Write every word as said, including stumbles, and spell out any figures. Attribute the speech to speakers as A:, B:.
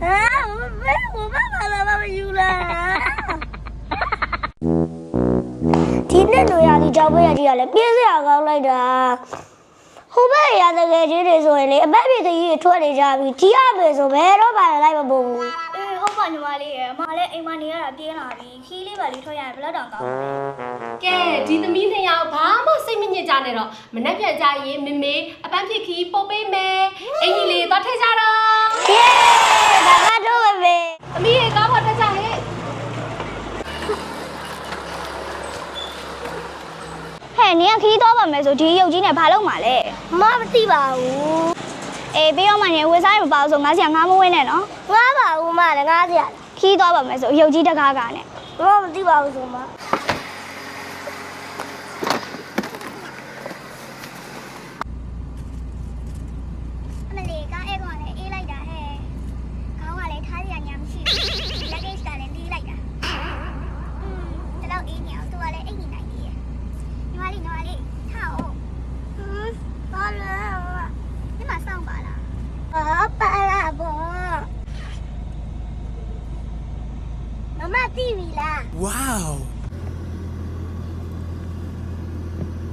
A: 我爸爸来爸爸有了。今天都要你找不下去了，别这样搞来的。后半夜那个就是说的，半夜的雨拖的家里，第二杯说白了把来不不。
B: အေးဟုတ်ပါညီမလေးရမလည်းအိမ်မနေရတာပြင်းလာပြီခီးလေးပါလေးထွက်ရရင်ဘယ်တော့တောင်ကောင်းလဲ
C: ကဲဒီသမီးနှစ်ယောက်ဘာမှစိတ်မညစ်ကြနဲ့တော့မနှက်ပြန်ကြရင်မေမေအပန်းဖြစ်ခီးပုတ်ပေးမယ်အင်ကြီးလေးသွားထည့်ကြတော့
A: 耶，大家都会呗。
C: သမီးရေကားပေါ်တက်ကြဟဲ့
B: ဟဲ့နင်ကခီးသွားပါမယ်ဆိုဒီရုပ်ကြီးနဲ့ဘာလုပ်မှာလဲ
A: 妈不对吧？我
B: အေးပြီးတော့မှနင်ဝယ်စားရမပါဘူးဆိုငါစီကငါမဝင်းနဲ့နော်
A: 我吧我妈的俺家，
B: ခီးသွားပါမယ်ဆိုရုပ်ကြီးတကားကနဲ့
A: 我不对吧？我说妈。
B: အမလေးကားအဲ့ကောင်လည်းအေးလိုက်တာဟဲ့ခေါင်းကလည်းထားရညာမရှိဘူးလက်ကိစ္စကလည်းတီးလိုက်တာอืมတလောက်အေးနေအောင်သူကလည်းအိတ်နေနိုင်သေးရဲ့ညီမလေးညီမလေးထားအောင်
A: 嗯，好了，
B: ဒီမှာစောင့်ပါလား
A: 我爸了不？妈妈地里啦。
D: Wow